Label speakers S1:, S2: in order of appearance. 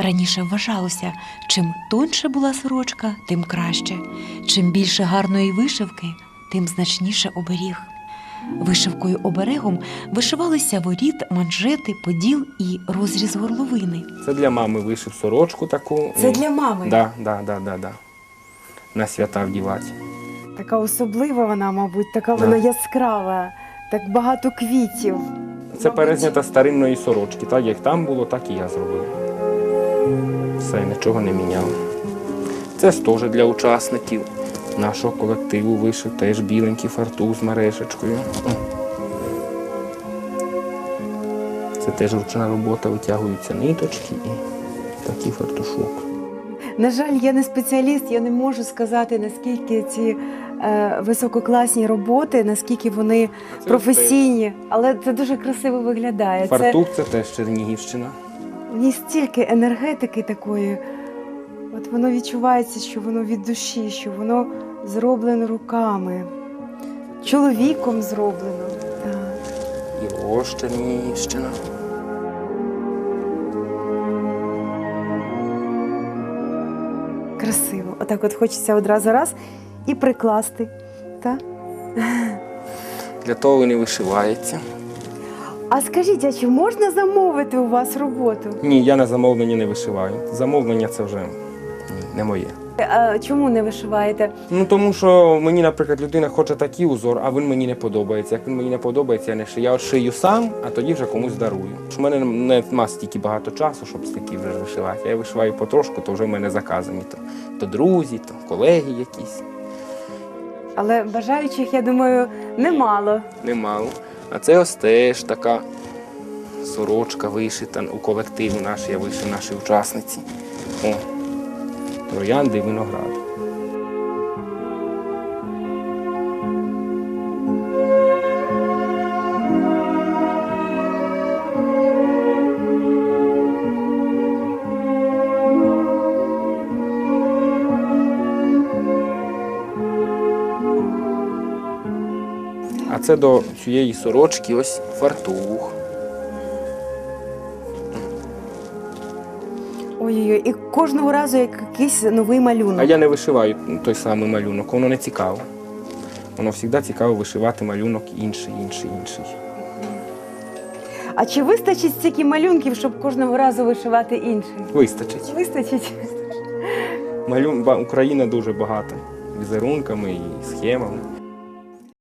S1: Раніше вважалося, чим тоньше була сорочка, тим краще. Чим більше гарної вишивки, тим значніше оберіг. Вишивкою-оберегом вишивалися воріт, манжети, поділ і розріз горловини.
S2: Це для мами вишив сорочку таку.
S1: Це для мами?
S2: Да. На свята вдівати.
S3: Така особлива вона, мабуть, така вона яскрава, так багато квітів.
S2: Це перезнята старинної сорочки. Так як там було, так і я зробив. Все, нічого не міняв. Це теж для учасників нашого колективу вишив, теж біленький фартух з мережечкою. Це теж ручна робота, витягуються ниточки і такий фартушок.
S3: На жаль, я не спеціаліст, я не можу сказати, наскільки ці висококласні роботи, наскільки вони професійні, але це дуже красиво виглядає.
S2: Фартух це теж Чернігівщина.
S3: В ній стільки енергетики такої. От воно відчувається, що воно від душі, що воно зроблено руками, чоловіком зроблено. Так.
S2: І ось Чернігівщина.
S3: Красиво. Отак от хочеться одразу раз і прикласти. Так?
S2: Для того він і вишивається.
S3: А скажіть, а чи можна замовити у вас роботу?
S2: Ні, я на замовлення не вишиваю. Замовлення це вже не моє.
S3: А чому не вишиваєте?
S2: Ну тому що мені, наприклад, людина хоче такий узор, а він мені не подобається. Як він мені не подобається, я не шию. Я от шию сам, а тоді вже комусь дарую. У мене немає стільки багато часу, щоб стільки вже вишивати. Я вишиваю потрошку, то вже в мене заказані. То друзі, то колеги якісь.
S3: Але бажаючих, я думаю, немало.
S2: Немало. А це ось теж така сорочка вишита у колективу наш, я вишив нашій учасниці. О, троянди і виноград. А це до цієї сорочки ось фартух.
S3: Ой-ой-ой, і кожного разу якийсь новий малюнок.
S2: А я не вишиваю той самий малюнок, воно не цікаво. Воно завжди цікаво вишивати малюнок інший.
S3: А чи вистачить стільки малюнків, щоб кожного разу вишивати інший?
S2: Вистачить.
S3: Вистачить?
S2: Україна дуже багата візерунками і схемами.